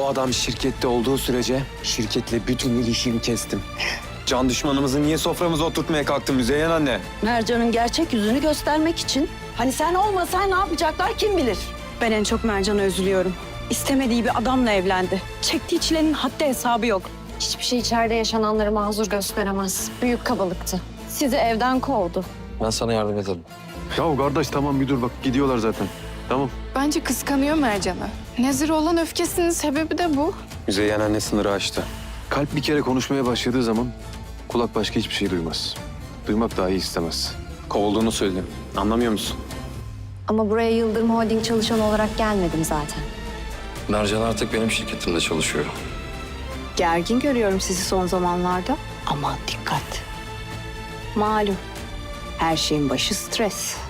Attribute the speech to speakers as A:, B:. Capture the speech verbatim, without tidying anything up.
A: O adam şirkette olduğu sürece şirketle bütün ilişkimi kestim. Can düşmanımızı niye soframıza oturtmaya kalktın Müzeyyen anne?
B: Mercan'ın gerçek yüzünü göstermek için. Hani sen olmasan ne yapacaklar kim bilir?
C: Ben en çok Mercan'a üzülüyorum. İstemediği bir adamla evlendi. Çektiği çilenin haddi hesabı yok.
D: Hiçbir şey içeride yaşananları mazur gösteremez. Büyük kabalıktı. Sizi evden kovdu.
E: Ben sana yardım ederim.
F: Ya kardeş tamam bir dur bak gidiyorlar zaten. Tamam.
G: Bence kıskanıyor Mercan'ı. Nezir'e olan öfkesinin sebebi de bu.
A: Müzeyyen anne sınırı aştı.
F: Kalp bir kere konuşmaya başladığı zaman kulak başka hiçbir şey duymaz. Duymak dahi istemez.
A: Kovulduğunu söyledim. Anlamıyor musun?
D: Ama buraya Yıldırım Holding çalışanı olarak gelmedim zaten.
E: Mercan artık benim şirketimde çalışıyor.
C: Gergin görüyorum sizi son zamanlarda. Aman dikkat. Malum her şeyin başı stres.